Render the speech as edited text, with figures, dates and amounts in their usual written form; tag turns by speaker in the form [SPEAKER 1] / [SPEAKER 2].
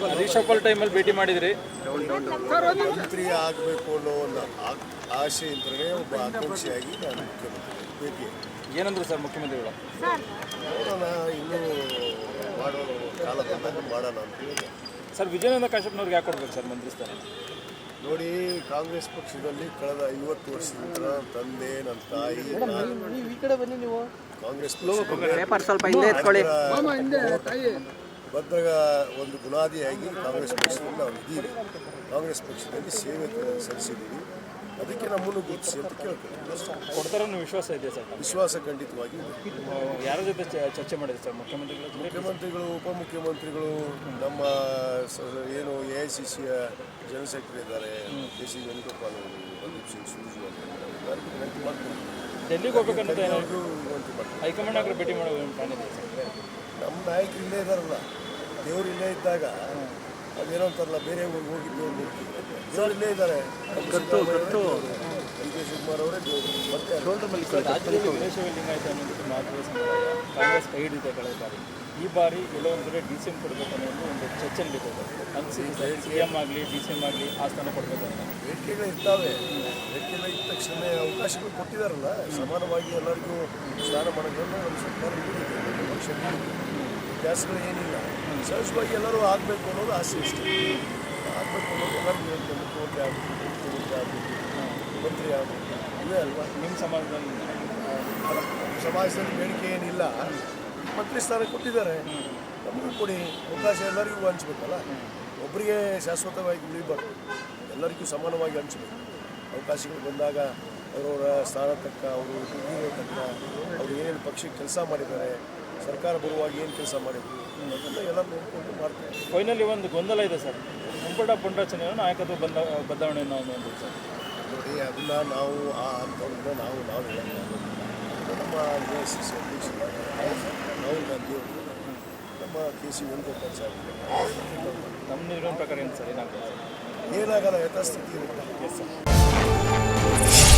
[SPEAKER 1] Reshuffle ಟೈಮಲ್ಲಿ ಭೇಟಿ ಮಾಡಿದ್ರಿ.
[SPEAKER 2] ಮಂತ್ರಿ ಆಗಬೇಕು ಅನ್ನೋ ಒಂದು ಆಸೆ ಇದ್ದರೆ ಒಬ್ಬ ಆಕಾಂಕ್ಷಿಯಾಗಿ ನಾನು ಮುಖ್ಯಮಂತ್ರಿ ಭೇಟಿ.
[SPEAKER 1] ಏನಂದ್ರು ಸರ್ ಮುಖ್ಯಮಂತ್ರಿಗಳು?
[SPEAKER 2] ನೋಡೋಣ, ಇನ್ನೂ ಮಾಡೋ ಕಾಲ ಬಂದಾಗ ಮಾಡೋಣ ಅಂತ ಹೇಳಿದೆ.
[SPEAKER 1] ಸರ್ ವಿಜಯಾನಂದ ಕಾಶ್ಯಪ್ನವ್ರಿಗೆ ಯಾಕೆ ಕೊಡ್ಬೇಕು ಸರ್ ಮಂತ್ರಿ ಸ್ಥಾನ?
[SPEAKER 2] ನೋಡಿ, ಕಾಂಗ್ರೆಸ್ ಪಕ್ಷದಲ್ಲಿ ಕಳೆದ 50 ವರ್ಷದಿಂದ ತಂದೆ, ನನ್ನ ತಾಯಿ, ಕಾಂಗ್ರೆಸ್ ಬದ್ಧ ಒಂದು ಬುನಾದಿಯಾಗಿ ಕಾಂಗ್ರೆಸ್ ಪಕ್ಷದಲ್ಲಿ ನಾವು ಇದ್ದೀವಿ. ಕಾಂಗ್ರೆಸ್ ಪಕ್ಷದಲ್ಲಿ ಸೇವೆ ಸಲ್ಲಿಸಿದ್ದೀವಿ. ಅದಕ್ಕೆ ನಮ್ಮನ್ನು ಗುರುತಿಸಿ ಅಂತ ಕೇಳ್ತೀವಿ.
[SPEAKER 1] ಕೊಡ್ತಾರೆ ಅನ್ನೋ ವಿಶ್ವಾಸ ಇದೆ ಸರ್?
[SPEAKER 2] ವಿಶ್ವಾಸ ಖಂಡಿತವಾಗಿ ಇದೆ.
[SPEAKER 1] ಯಾರ ಜೊತೆ ಚರ್ಚೆ ಮಾಡಿದೆ ಸರ್
[SPEAKER 2] ಮುಖ್ಯಮಂತ್ರಿಗಳು, ಉಪಮುಖ್ಯಮಂತ್ರಿಗಳು, ನಮ್ಮ ಏನು AICCಯ ಜನರಲ್ ಸೆಕ್ರೆಟರಿ ಇದ್ದಾರೆ, KC ವೇಣುಗೋಪಾಲ್ ಅವರು, ಪ್ರದೀಪ್ ಸಿಂಗ್ ಸೂರ್ಜೇವಾಲಾ ಎಲ್ಲರಿಗೂ ವಿನಂತಿ ಮಾಡ್ತೀನಿ.
[SPEAKER 1] ಡೆಲ್ಲಿಗೆ ಹೋಗ್ಬೇಕನ್ನೋದು
[SPEAKER 2] ಎಲ್ಲರಿಗೂ ವಿನಂತಿ ಮಾಡ್ತೀನಿ.
[SPEAKER 1] ಹೈಕಮಾಂಡ್ ಆಗಲಿ ಭೇಟಿ ಮಾಡೋ ಪ್ಲಾನ್ ಇದೆ ಸರ್?
[SPEAKER 2] ನಮ್ಮ ನಾಯಕರು ಇಲ್ಲೇ ಇದ್ದಾರಲ್ಲ, ದೇವರು ಇಲ್ಲೇ ಇದ್ದಾಗ ಅದೇನೋ ಅಂತಾರಲ್ಲ, ಬೇರೆ ಊರಿಗೆ ಹೋಗಿ ದೇವ್ರು ನೋಡ್ತೀವಿ. ದೇವರು ಇಲ್ಲೇ ಇದ್ದಾರೆ. DK ಶಿವಕುಮಾರ್ ಅವರೇ ದೇವರು. ಮತ್ತೆ
[SPEAKER 1] ರಾಜ್ಯದಲ್ಲಿ ವೀರಶೈವ ಲಿಂಗಾಯತ ಅನ್ನೋದಕ್ಕೆ ಮಹತ್ವದ ಸಮುದಾಯ ಕಾಂಗ್ರೆಸ್ ಕೈ ಹಿಡಿದಿದೆ ಕಳೆದ ಬಾರಿ. ಈ ಬಾರಿ ಎಲ್ಲೋ ಒಂದು ಕಡೆ DCM ಕೊಡಬೇಕು ಅನ್ನೋ ಒಂದು ಚರ್ಚೆ ನಡೀತದೆ. ಅನಿಸಿದೆ CM ಆಗಲಿ DCM ಆಗಲಿ ಆ ಸ್ಥಾನ ಕೊಡಬೇಕು ಅಂತ
[SPEAKER 2] ಬೇಡಿಕೆಗಳು ಇರ್ತಾವೆ. ಬೇಡಿಕೆಗಳು ಇದ್ದ ತಕ್ಷಣ ಅವಕಾಶಗಳು ಕೊಟ್ಟಿದ್ದಾರಲ್ಲ, ಸಮಾನವಾಗಿ ಎಲ್ಲರಿಗೂ ಸ್ನಾನ ಮಾಡೋದ್ರಿಂದ ನಮ್ಮ ಸರ್ಕಾರ ನೀಡಿದೆ. ಪಕ್ಷ ವ್ಯತ್ಯಾಸಗಳು ಏನಿಲ್ಲ. ಸಹಜವಾಗಿ ಎಲ್ಲರೂ ಆಗಬೇಕು ಅನ್ನೋದು ಆಸೆ ಇಷ್ಟ. ಆಗಬೇಕು ಅನ್ನೋದು ಎಲ್ಲರಿಗೂ ಹೇಳ್ತೇವೆ. ಮುಖ್ಯಮಂತ್ರಿ ಆಗಬೇಕು, ಮಂತ್ರಿ ಆಗಬೇಕು, ಇವೇ ಅಲ್ವಾ.
[SPEAKER 1] ನಿಮ್ಮ
[SPEAKER 2] ಸಮಾಜದಲ್ಲಿ ಬೇಡಿಕೆ ಏನಿಲ್ಲ. ಮಂತ್ರಿ ಸ್ಥಾನ ಕೊಟ್ಟಿದ್ದಾರೆ, ನಮಗೂ ಕೊಡಿ. ಅವಕಾಶ ಎಲ್ಲರಿಗೂ ಹಂಚ್ಬೇಕಲ್ಲ. ಒಬ್ಬರಿಗೆ ಶಾಶ್ವತವಾಗಿ ಉಳಿಬಾರ್ದು, ಎಲ್ಲರಿಗೂ ಸಮಾನವಾಗಿ ಹಂಚಬೇಕು. ಅವಕಾಶಗಳು ಬಂದಾಗ ಅವರವರ ಸ್ಥಾನ ತಕ್ಕ, ಅವರು ದುಡ್ಡಿರೋ ತಕ್ಕ, ಅವರು ಏನೇನು ಪಕ್ಷಕ್ಕೆ ಕೆಲಸ ಮಾಡಿದ್ದಾರೆ, ಸರ್ಕಾರ ಬರುವಾಗ ಏನು ಕೆಲಸ ಮಾಡಿದ್ರು ಅದನ್ನು ಎಲ್ಲ ನೋಡಿಕೊಂಡು ಮಾಡ್ತಾರೆ.
[SPEAKER 1] ಫೈನಲಿ ಒಂದು ಗೊಂದಲ ಇದೆ ಸರ್. ಮುಂಪಟ ಪುಂಡರಚನೆ ನಾಯಕತ್ವ ಬದಲಾವಣೆಯನ್ನು ಒಂದು ಸರ್
[SPEAKER 2] ನೋಡಿ, ಅದನ್ನ ನಾವು ಆ ಹಂತವನ್ನು ನಾವು ಹೇಳೋಣ. ನಮ್ಮ AICC ಅಧ್ಯಕ್ಷರು ರಾಹುಲ್ ಗಾಂಧಿ ಅವರು, ನಮ್ಮ KC ವೇಣುಗೋಪಾಲ್ ಸಾಹೇಬ್,
[SPEAKER 1] ನಮ್ಮ ನಿರ್ಣಯ ಪ್ರಕಾರ ಏನು ಸರ್ ಏನಾಗ್ತದೆ?
[SPEAKER 2] ಏನಾಗಲ್ಲ, ಯಥಾಸ್ಥಿತಿ ಇರುತ್ತೆ.